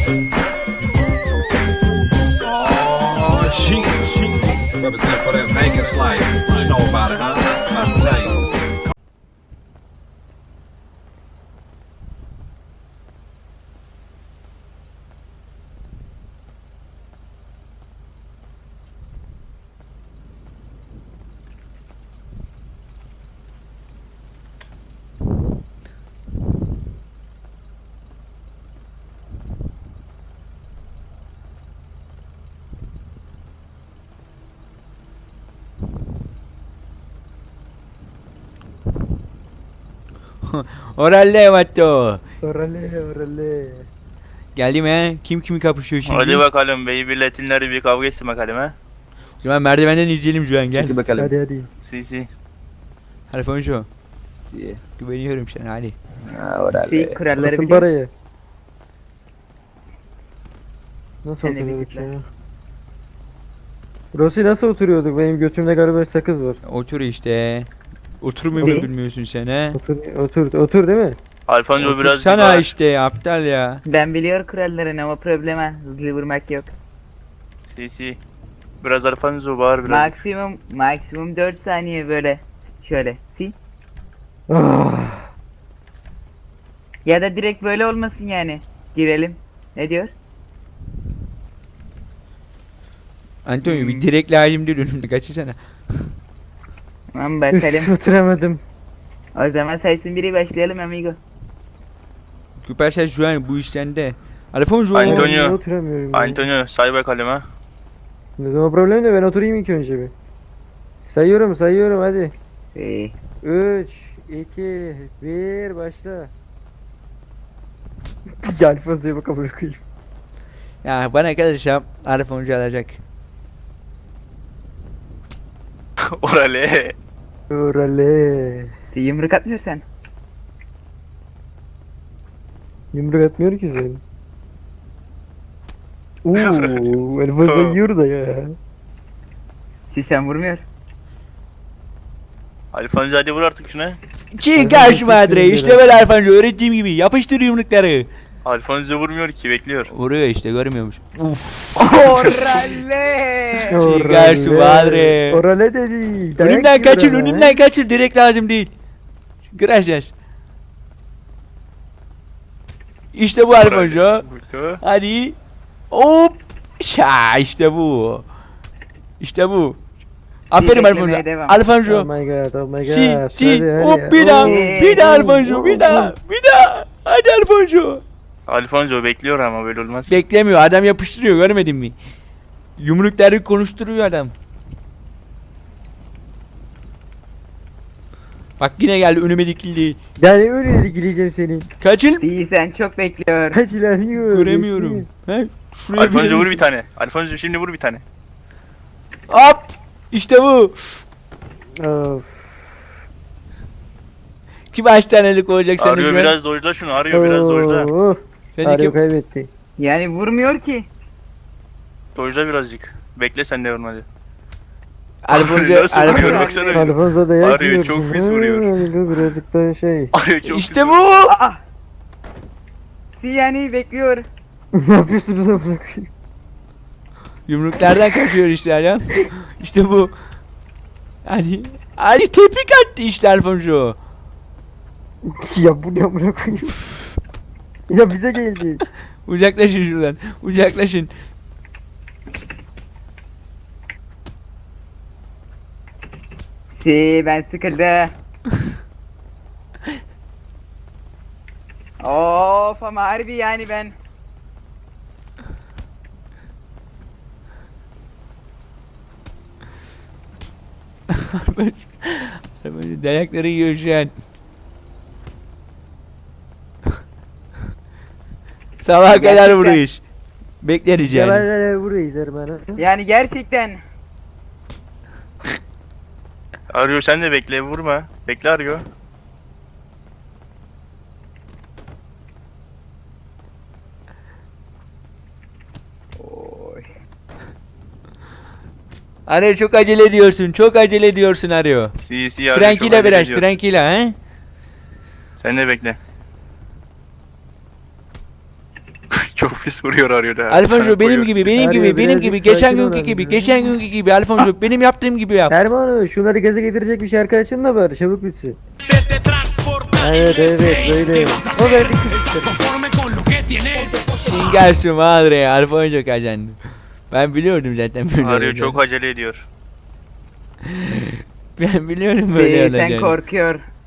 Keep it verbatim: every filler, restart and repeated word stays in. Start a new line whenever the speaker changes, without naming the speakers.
Oh, she, she represent for that Vegas life. What you know about it, huh? I'm about to tell you.
Oralle Vatto.
Orale orale.
Geldim he. Kim kimi kapışıyor şimdi?
Hadi bakalım Beybi Latinler bir kavga etsin bakalım ha.
Şu an merdivenden izleyelim şu an gel.
Çekil bakalım.
Hadi hadi.
Si si.
Alfonso.
Si.
Güveniyorum sana hadi.
Ha, orale.
Si kuralları
Bastın
biliyor.
parayı. Nasıl
Sen de
oturuyorduk
bizimle.
ya? Rossi nasıl oturuyorduk? Benim götümde galiba sakız var.
Otur işte. Oturmuyor mu
Ne?
bilmiyorsun sen he?
Otur, otur, otur değil mi?
Alfonso biraz
Otursana
kibar.
işte aptal ya.
Ben biliyor kurallarını ama probleme hızlı vurmak yok.
Si si. Biraz Alfonso bağır biraz.
Maksimum maksimum dört saniye böyle şöyle. Si.
Ah,
Ya da direkt böyle olmasın yani. Girelim. Ne diyor?
Antonio
Hmm.
bir direkt lazım değil önümde kaçırsana.
Tamam
üf,
bakalım.
oturamadım.
O zaman saysın biri başlayalım amigo.
Süpersel şu an bu iş sende. Alfonso.
Antonio.
Niye oturamıyorum ya?
Antonio say bakalım ha.
Ne zaman problem de ben oturayım ilk önce bir. Sayıyorum sayıyorum hadi.
Si.
üç, iki, bir başla. Ya Alfonso'ya bak amına koyayım.
Ya bana kalırsa Alfonso alacak.
Orale.
Orale.
Si yumruk atmıyorsan.
Yumruk atmıyor ki sen. Uuu Alfonso yiyor da ya.
Si sen vurmuyor.
Alfonso hadi vur artık şuna.
Çin karşı madre işte böyle Alfonso öğrettiğim gibi yapıştır yumrukları.
Alfonso vurmuyor ki bekliyor.
Vuruyor işte görmüyormuş. Uf.
Orale.
Çin karşı madre.
Orale dedi. Dayak
Önümden
yiyor
kaçın
ama.
önümden kaçın direkt lazım değil. Gracias. İşte bu Alfonso.
Vurdu.
Hadi. Hop. Şa işte bu. İşte bu. Aferin
beklemeye
Alfonso.
devam.
Oh
Alfonso.
my god, oh my god.
Si si
Hadi, hadi.
hop bir daha.
Oo.
Bir daha Alfonso bir daha. Bir daha. Hadi Alfonso.
Alfonso bekliyor ama böyle olmaz.
Beklemiyor adam yapıştırıyor görmedin mi? Yumrukları konuşturuyor adam. Bak yine geldi önüme dikildi.
Yani öyle ilgileyeceğim seni.
Kaçıl.
Si sen çok bekliyor.
Kaç ilerliyor.
Göremiyorum. He? Şuraya
Alfonso vur
bir
bir tane. Alfonso şimdi vur bir tane.
Hop. İşte bu.
Of.
Kim kaç tanelik olacak sana
Arıyor
şu an?
biraz dojda şunu arıyor biraz dojda.
Oh.
Sen de
Arıyor
kim?
kaybetti.
Yani vurmuyor ki.
Dojda birazcık. Bekle sen de vurma hadi.
Alfonso.
Nasıl vuruyor
Alfonso.
baksana.
Alfonso dayak
Arıyor,
yiyor.
çok pis vuruyor.
Ha, birazcık da şey.
Arıyor çok
İşte
pis.
bu.
Aa. Si yani bekliyor.
Ne yapıyorsunuz amına koyayım?
Yumruklardan kaçıyor işte adam. İşte bu. Hani hani tepik attı işte Alfonso.
Ya bu ne amına koyayım? Ya bize geldi.
Uzaklaşın şuradan. Uzaklaşın.
Si ben sıkıldı. Of ama harbi yani ben.
Alfonso dayakları yiyor şu an. Sabaha kadar
Gerçekten.
vuruyor. Bekleriz yani.
Yalanlar burayız Erman'a.
Yani gerçekten.
Arıyor sen de bekle vurma. Bekle arıyor.
Oy.
Arıyor çok acele ediyorsun. Çok acele ediyorsun arıyor.
Si si arıyor. çok
Tranquila
acele
biraz.
ediyor.
Tranquila he.
Sen de bekle. Çok Ofis vuruyor arıyor da.
Alfonso benim gibi, benim
Arıyor,
gibi, benim
birazcık
gibi, geçen
sakin
günkü
olun
gibi,
ya.
geçen günkü gibi Alfonso benim yaptığım gibi yap.
Erman şunları gaza getirecek bir şarkı açın da bari çabuk bitsin. Evet evet böyle. O verdik
Singa su madre Alfonso kazandı. Ben biliyordum zaten böyle
Arıyor,
olacağını.
çok acele ediyor.
Ben biliyorum böyle
Ee, sen
olacağını.
korkuyor.